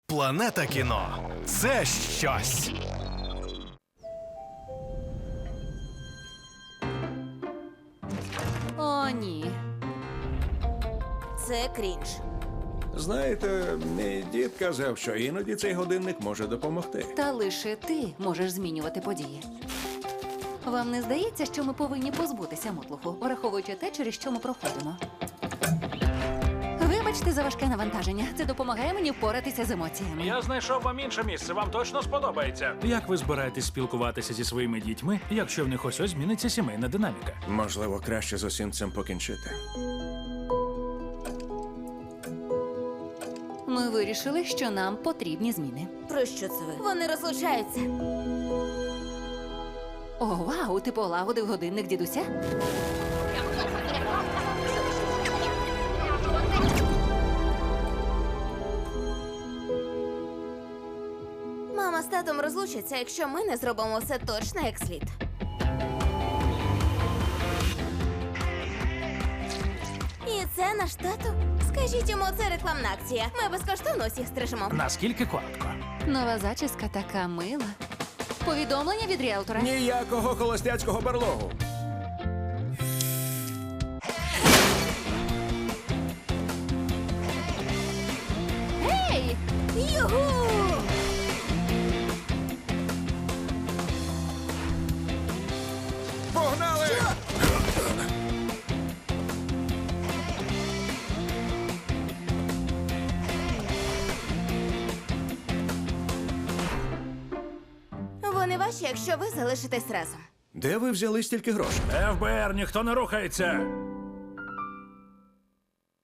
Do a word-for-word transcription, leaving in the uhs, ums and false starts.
Планета кіно – це щось. О, ні. Це крінж. Знаєте, мій дід казав, що іноді цей годинник може допомогти. Та лише ти можеш змінювати події. Вам не здається, що ми повинні позбутися мотлуху, враховуючи те, через що ми проходимо? Вибачте за важке навантаження. Це допомагає мені впоратися з емоціями. Я знайшов вам інше місце, вам точно сподобається. Як ви збираєтесь спілкуватися зі своїми дітьми, якщо в них ось ось зміниться сімейна динаміка? Можливо, краще з усім цим покінчити. Ми вирішили, що нам потрібні зміни. Про що це ви? Вони розлучаються. О, вау, ти полагодив годинник дідуся? Мама з татом розлучаться, якщо ми не зробимо все точно як слід. І це наш тато? Скажіть йому, це рекламна акція. Ми безкоштовно усіх стрижемо. Наскільки коротко? Нова зачіска така мила. Повідомлення від ріелтора. Ніякого холостяцького барлогу. Ей! Югу! Погнали! Вони ваші, якщо ви залишитесь разом. Де ви взяли стільки грошей? еф бе ер, ніхто не рухається!